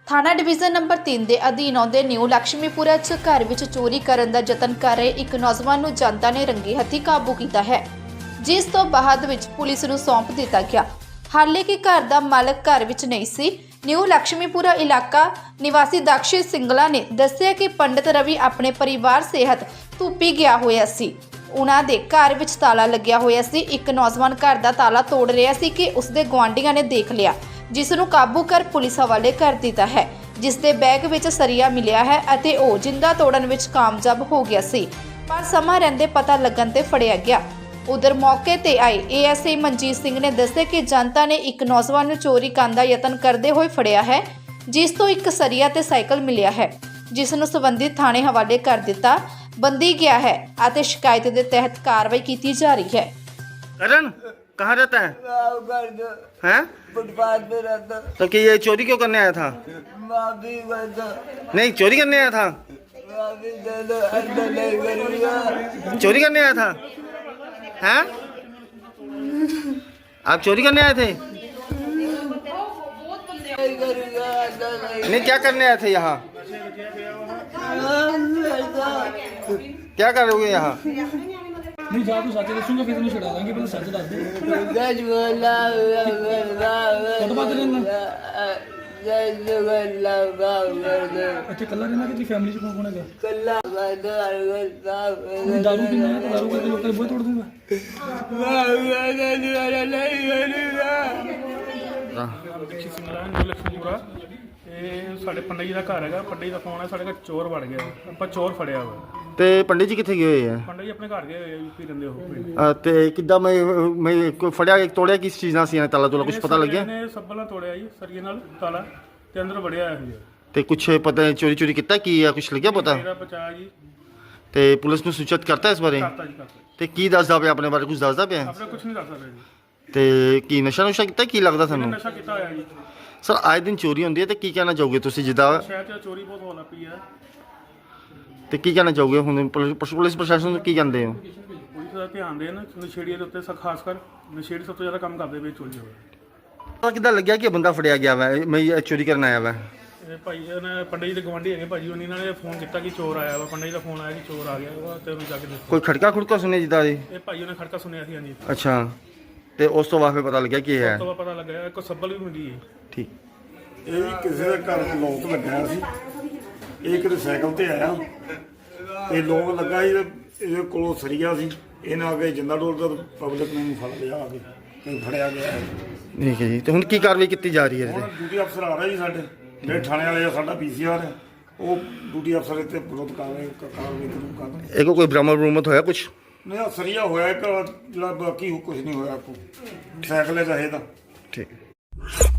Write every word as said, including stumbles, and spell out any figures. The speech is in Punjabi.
थाना डिवीजन नंबर तीन के अधीन आउंदे न्यू लक्ष्मीपुरा च घर विच चोरी करन दा यतन कर रहे एक नौजवान नूं जनता ने रंगी हत्थी काबू किया है, जिस तो बाद विच पुलिस नूं सौंप दिता गया। हाले कि घर दा मालक घर विच नहीं सी। न्यू लक्ष्मीपुरा इलाका निवासी दक्षिण सिंगला ने दस्सिया कि पंडित रवि अपने परिवार सेहत धूपी गया होया सी। उन्हां दे घर विच ताला लग्या होया सी। एक नौजवान घर दा ताला तोड़ रहा सी कि उसदे गुआंढियां ने देख लिया, जिस नूं काबू कर पुलिस हवाले कर दिता है, जिस दे बैग विच सरिया मिलिया है अते ओह जिंदा तोड़न विच कामयाब हो गया सी, पर समा रहिंदे पता लगन ते फड़िया गया। उधर मौके ते आए A S I Manjit Singh ने दस्सिया कि जनता ने एक नौजवान नूं चोरी करन दा यतन करदे होए फड़िया है, जिस तो एक सरिया ते साइकिल मिलिया है, जिस नूं संबंधित थाणे हवाले कर दिता बंदी गया है अते शिकायत के तहत कार्रवाई की जा रही है। करण कहाँ रहता है? हैं? फुटपाथ पे रहता। तो कि ये चोरी क्यों करने आया था? माफी करता। नहीं, चोरी करने आया था। माफी दे दो, अंदर नहीं करूँगा। चोरी करने आया था? हैं? आप चोरी करने आए थे? नहीं करूँगा, अंदर नहीं। नहीं, क्या करने आए थे यहाँ? क्या करोगे यहाँ? नहीं जा तू सच दसूंगा फिर तेन छड़ा देंगे, पहले सच दस दे। सच बोला, कद बात रहना सच बोला, अच्छा कल्ला रहना कि तेरी फैमिली च कौन कौन है? कल्ला करता है। दारू पीना है तो दारू करके लोग तेरे बुए तोड़ दूंगा। दक्षिण सिंगला न्यू लक्ष्मीपुरा ਇਹ ਸਾਡੇ ਪੰਡਿਤ ਜੀ ਦਾ ਘਰ ਹੈਗਾ। ਪੰਡਿਤ ਜੀ ਦਾ ਫੋਨ ਹੈ, ਸਾਡੇ ਘਰ ਚੋਰ ਵੜ ਗਿਆ। ਆਪਾਂ ਚੋਰ ਫੜਿਆ ਵਾ। ਤੇ ਪੰਡਿਤ ਜੀ ਕਿੱਥੇ ਗਏ ਹੋਏ ਆ? ਪੰਡਿਤ ਜੀ ਆਪਣੇ ਘਰ ਗਏ ਹੋਏ ਆ, ਯੂਪੀ ਰਹਿੰਦੇ ਉਹ ਪਿੰਡ। ਅਹ ਤੇ ਕਿੱਦਾਂ ਮੈਂ ਮੈਂ ਕੋਈ ਫੜਿਆ ਤੋੜਿਆ ਕਿਸ ਚੀਜ਼ ਨਾਲ ਸੀ? ਇਹਨੇ ਤਾਲਾ ਤੋਲਾ ਕੁਝ ਪਤਾ ਲੱਗਿਆ? ਇਹਨੇ ਸੱਬਲ ਨਾਲ ਤੋੜਿਆ ਜੀ, ਸਰੀਏ ਨਾਲ ਤਾਲਾ, ਤੇ ਅੰਦਰ ਵੜਿਆ ਇਹ ਜੀ। ਤੇ ਕੁਛ ਪਤਾ ਚੋਰੀ ਚੋਰੀ ਕੀਤਾ ਕੀ ਆ? ਕੁਛ ਲੱਗਿਆ ਪਤਾ? ਮੇਰਾ ਬਚਾ ਜੀ। ਤੇ ਪੁਲਿਸ ਨੂੰ ਸੂਚਿਤ ਕਰਤਾ ਇਸ ਬਾਰੇ? ਕਰਤਾ ਜੀ, ਕਰਤਾ। ਤੇ ਕੀ ਦੱਸਦਾ ਪਿਆ ਆਪਣੇ ਬਾਰੇ? ਕੁਝ ਦੱਸਦਾ ਪਿਆ? ਆਪਣੇ ਕੁਝ ਨਹੀਂ ਦੱਸ ਸਕਦਾ ਜੀ। ਤੇ ਕੀ ਨਸ਼ਾ ਨੁਸ਼ਾ ਕੀਤਾ ਕੀ ਲੱਗਦਾ ਇਹਨੇ ਤੁਹਾਨੂੰ? ਨਸ਼ਾ ਕੀਤਾ ਹੋਇਆ ਜੀ। ਸਰ ਆਏ ਦਿਨ ਚੋਰੀ ਹੁੰਦੀ ਹੈ ਤੇ ਕੀ ਕਹਿਣਾ ਚਾਹੋਗੇ ਤੁਸੀਂ? ਜਿੱਦਾਂ ਸ਼ਹਿਰ 'ਚ ਚੋਰੀ ਬਹੁਤ ਹੋਣ ਲੱਗ ਪਈ ਹੈ। ਤੇ ਕੀ ਕਹਿਣਾ ਚਾਹੋਗੇ ਹੁਣ ਪੁਲਿਸ ਪੁਲਿਸ ਪ੍ਰਸ਼ਾਸਨ ਨੂੰ ਕੀ ਕਹਿੰਦੇ ਹੋ? ਪੁਲਿਸ ਦਾ ਧਿਆਨ ਦੇਣ ਨਸ਼ੇੜੀਆਂ ਦੇ ਉੱਤੇ, ਸ ਖਾਸ ਕਰ ਨਸ਼ੇੜੀ ਸਭ ਤੋਂ ਜ਼ਿਆਦਾ ਕੰਮ ਕਰਦੇ ਪਏ ਚੋਰੀ ਹੋਵੇ। ਪਤਾ ਕਿੱਦਾਂ ਲੱਗਿਆ ਕਿ ਬੰਦਾ ਫੜਿਆ ਗਿਆ ਵਾ, ਮੈਂ ਇਹ ਚੋਰੀ ਕਰਨ ਆਇਆ ਵਾ? ਇਹ ਭਾਈ ਇਹਨੇ ਪੰਡਿਤ ਜੀ ਦੇ ਗਵਾਂਢੀ ਹੈਗੇ ਭਾਜੀ, ਉਹਨਾਂ ਇਹਨਾਂ ਨੇ ਫੋਨ ਕੀਤਾ ਕਿ ਚੋਰ ਆਇਆ ਵਾ। ਪੰਡਿਤ ਜੀ ਦਾ ਫੋਨ ਆਇਆ ਕਿ ਚੋਰ ਆ ਗਿਆ ਵਾ, ਤੇ ਉਹਨੂੰ ਜਾ ਕੇ ਦੇਖੋ। ਕੋਈ ਖੜਕਾ ਖੁੜਕਾ ਸੁਣਿਆ ਜਿੱਦਾਂ ਇਹ? ਇਹ ਭਾਈ ਉਹਨੇ ਖੜਕਾ ਸੁਣਿਆ ਸੀ। ਹਾਂਜੀ। ਅੱਛਾ, ਤੇ ਉਸ ਤੋਂ ਬਾਅਦ ਫਿਰ ਪਤਾ ਲੱਗਿਆ ਕੀ ਉਸ ਹੈ? ਤੋਂ ਬਾਅਦ ਪਤਾ ਲੱਗਾ ਇੱਕ ਸੱਬਲ ਵੀ ਮਿਲੀ ਹੈ। ਠੀਕ। ਇਹ ਵੀ ਕਿਸੇ ਦੇ ਘਰ ਲੋਕ ਲੱਗਿਆ ਸੀ। ਇਹ ਕਿਤੇ ਸਾਈਕਲ ਤੇ ਆਇਆ ਤੇ ਲੋਕ ਲੱਗਾ ਸੀ ਤੇ ਇਹਦੇ ਕੋਲੋਂ ਸਰੀਆ ਸੀ। ਇਹਨਾਂ ਆ ਕੇ ਜਿੰਦਾ ਡੋਲ ਦਾ ਪਬਲਿਕ ਨੇ ਫੜ ਲਿਆ, ਆ ਕੇ ਤੇ ਫੜਿਆ ਗਿਆ। ਠੀਕ ਹੈ ਜੀ। ਤੇ ਹੁਣ ਕੀ ਕਾਰਵਾਈ ਕੀਤੀ ਜਾ ਰਹੀ ਹੈ? ਹੁਣ ਡਿਊਟੀ ਅਫਸਰ ਆ ਰਿਹਾ ਜੀ ਸਾਡੇ, ਜਿਹੜੇ ਥਾਣੇ ਵਾਲੇ ਆ, ਸਾਡਾ ਪੀ ਸੀ ਆਰ ਹੈ, ਉਹ ਡਿਊਟੀ ਅਫਸਰ ਇੱਥੇ ਵਿਰੋਧ ਕਰ ਰਹੇ ਕਾਰਵਾਈ ਜ਼ਰੂਰ ਕਰ ਰਹੇ। ਇਹ ਕੋ ਕੋਈ ਬਰਾਮਦ ਬਰੂਮਦ ਹੋਇਆ ਕੁਛ? ਨਹੀਂ, ਆਹ ਸਰੀਆ ਹੋਇਆ ਇੱਕ, ਜਿਹੜਾ ਬਾਕੀ ਕੁਝ ਨਹੀਂ ਹੋਇਆ। ਕੋ ਸਾਈਕਲ ਹੈ ਚਾਹੇ ਤਾਂ। ਠੀਕ।